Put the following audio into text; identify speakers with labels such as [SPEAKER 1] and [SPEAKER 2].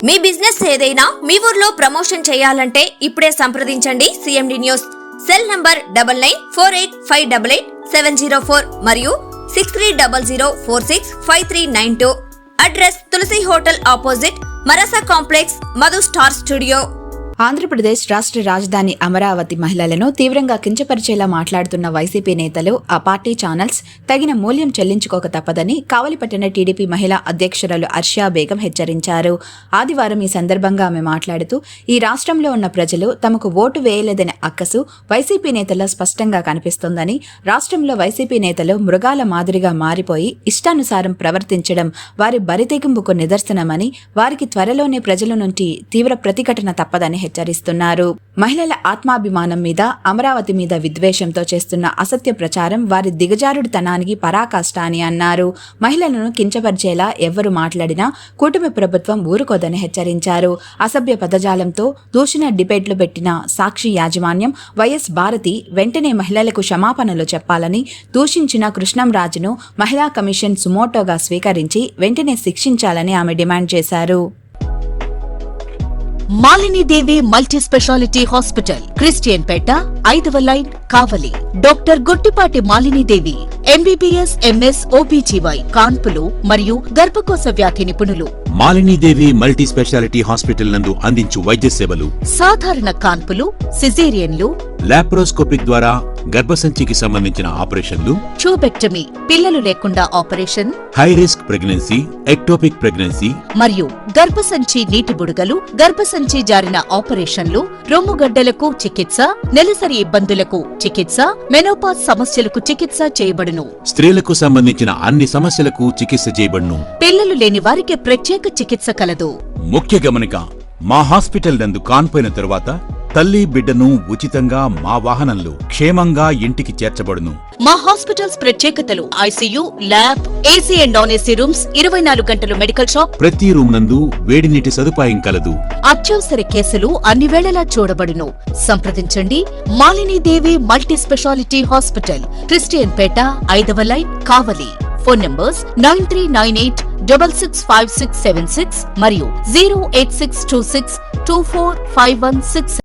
[SPEAKER 1] మీ business ఏదైనా మీ ఊర్లో promotion చేయాలంటే ఇప్పుడే సంప్రదించండి సిఎండి న్యూస్. సెల్ నంబర్ 9948588704 మరియు 6300465392. అడ్రస్ తులసి హోటల్ ఆపోజిట్ మరసా complex, Madhu star studio.
[SPEAKER 2] Andhra Pradesh రాష్ట్ర రాజధాని అమరావతి మహిళలను తీవ్రంగా కించపరిచేలా మాట్లాడుతున్న వైసీపీ నేతలు, ఆ పార్టీ ఛానల్స్ తగిన మూల్యం చెల్లించుకోక తప్పదని కావలిపట్టణ టీడీపీ మహిళా అధ్యక్షురాలు అర్షియా బేగం హెచ్చరించారు. ఆదివారం ఈ సందర్భంగా ఆమె మాట్లాడుతూ, ఈ రాష్ట్రంలో ఉన్న ప్రజలు తమకు ఓటు వేయలేదనే అక్కసు వైసీపీ నేతల్లో స్పష్టంగా కనిపిస్తోందని, రాష్ట్రంలో వైసీపీ నేతలు మృగాల మాదిరిగా మారిపోయి ఇష్టానుసారం ప్రవర్తించడం వారి బరితెగింపుకు నిదర్శనమని, వారికి త్వరలోనే ప్రజల నుంచి తీవ్ర ప్రతిఘటన తప్పదని హెచ్చరిస్తున్నారు. మహిళల ఆత్మాభిమానం మీద, అమరావతి మీద విద్వేషంతో చేస్తున్న అసత్య ప్రచారం వారి దిగజారుడుతనానికి పరాకాష్ట అని అన్నారు. మహిళలను కించపరిచేలా ఎవ్వరు మాట్లాడినా కూటమి ప్రభుత్వం ఊరుకోదని హెచ్చరించారు. అసభ్య పదజాలంతో దూషణ డిబేట్లు పెట్టిన సాక్షి యాజమాన్యం, వైఎస్ భారతి వెంటనే మహిళలకు క్షమాపణలు చెప్పాలని, దూషించిన కృష్ణంరాజును మహిళా కమిషన్ సుమోటోగా స్వీకరించి వెంటనే శిక్షించాలని ఆమె డిమాండ్ చేశారు.
[SPEAKER 3] Malinidevi multi speciality hospital, Christian పేట, 5వ line, Kavali. Doctor Gottipati Malinidevi, MBBS, MS, OBGY, కాన్పులు మరియు గర్భకోశ వ్యాధి నిపుణులు.
[SPEAKER 4] మాలినీదేవి మల్టీ స్పెషాలిటీ హాస్పిటల్ నందు అందించు వైద్య సేవలు:
[SPEAKER 3] సాధారణ కాన్పులు, సిజేరియన్లు,
[SPEAKER 4] లాప్రోస్కోపిక్ ద్వారా గర్భసంచికి సంబంధించిన ఆపరేషన్లు,
[SPEAKER 3] ట్యూబెక్టమీ, పిల్లలు లేకుండా operation,
[SPEAKER 4] high risk pregnancy, ectopic pregnancy
[SPEAKER 3] మరియు గర్భసంచి నీటి బుడగలు, గర్భసంచి జారిన ఆపరేషన్లు, రొమ్ముగడ్డలకు చికిత్స, నెలసరి ఇబ్బందులకు చికిత్స, మెనోపాజ్ సమస్యలకు చికిత్స చేయబడును.
[SPEAKER 4] స్త్రీలకు సంబంధించిన అన్ని సమస్యలకు చికిత్స చేయబడును.
[SPEAKER 3] పిల్లలు లేని వారికి ప్రత్యేక చికిత్స కలదు.
[SPEAKER 4] ముఖ్య గమనిక: మా హాస్పిటల్ నందు కాన్పోయిన తరువాత తల్లి బిడ్డను ఉచితంగా మా వాహనంలో క్షేమంగా ఇంటికి చేర్చబడును.
[SPEAKER 3] మా హాస్పిటల్స్ ప్రత్యేకతలు: ICU, lab, AC and non AC rooms, 24 గంటలు మెడికల్ షాప్,
[SPEAKER 4] ప్రతి రూమ్ నందు వేడి నీటి సదుపాయం కలదు.
[SPEAKER 3] అత్యవసర కేసులు అన్ని వేళలా చూడబడును. సంప్రదించండి Malinidevi multi speciality hospital, Christian పేట, 5వ లైన్, కావలి. ఫోన్ నంబర్స్ 9398665676 మరియు 08626245166.